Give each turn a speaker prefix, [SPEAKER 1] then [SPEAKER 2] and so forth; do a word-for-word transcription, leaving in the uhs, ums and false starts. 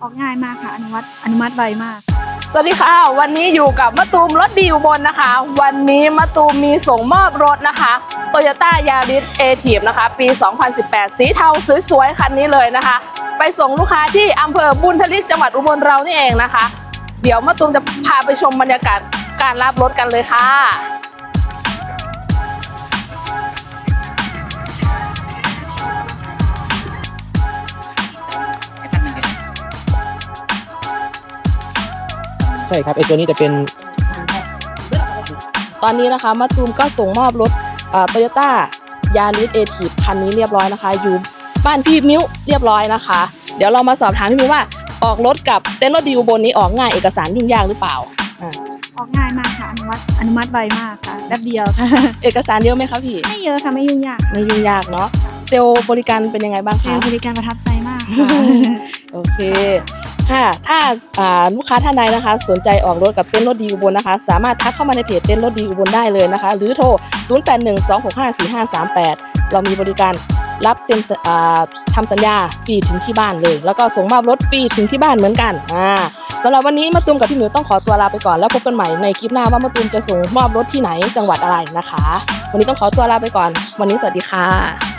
[SPEAKER 1] ออกง่ายมากค่ะอนุมัติอนุมัติไวมาก
[SPEAKER 2] สวัสดีค่ะวันนี้อยู่กับมะตูมรถดีอุบลนะคะวันนี้มะตูมมีส่งมอบรถนะคะ Toyota Yaris Active นะคะปี สองพันสิบแปด สีเทาสวยๆคันนี้เลยนะคะ ไปส่งลูกค้าที่อำเภอบุญทลิกจังหวัดอุบลเรานี่เองนะคะ เดี๋ยวมะตูมจะพาไปชมบรรยากาศการรับรถกันเลยค่ะ
[SPEAKER 3] ใช่ครับไอตัวนี้จะเป็น
[SPEAKER 2] ตอนนี้นะคะมะตูมก็ส่งมอบรถโตโยต้ายาริสเอทีฟคันนี้เรียบร้อยนะคะอยู่บ้านพี่มิ้วเรียบร้อยนะคะเดี๋ยวเรามาสอบถามพี่มิ้วว่าออกรถกับเต้นรถดีอุบลนี้ออกง่ายเอกสารยุ่งยากหรือเปล่าอ่า
[SPEAKER 1] ออกง่ายมากค่ะอนุมัติอนุมัติไวมากค่ะแป๊บเดียวค่ะ
[SPEAKER 2] เอกสารเยอะไหมคะพี่
[SPEAKER 1] ไม่เยอะค่ะไม่ยุ่งยาก
[SPEAKER 2] ไม่ยุ่งยากเนาะเซลล์บริการเป็นยังไงบ้าง
[SPEAKER 1] เซล
[SPEAKER 2] คะ
[SPEAKER 1] ล์บริการประทับใจมากค่ะ
[SPEAKER 2] โอเคค่ะถ้าลูกค้าท่านใดนะคะสนใจออกรถกับเต้นรถดีอุบลนะคะสามารถทักเข้ามาในเพจเต้นรถดีอุบลได้เลยนะคะหรือโทรศูนย์ แปด หนึ่ง สอง หก ห้า สี่ ห้า สาม แปดเรามีบริการรับเซ็นทำสัญญาฟรีถึงที่บ้านเลยแล้วก็ส่งมอบรถฟรีถึงที่บ้านเหมือนกันอ่าสำหรับวันนี้มะตูมกับพี่หมิวต้องขอตัวลาไปก่อนแล้วพบกันใหม่ในคลิปหน้าว่ามะตูมจะส่งมอบรถที่ไหนจังหวัดอะไรนะคะวันนี้ต้องขอตัวลาไปก่อนวันนี้สวัสดีค่ะ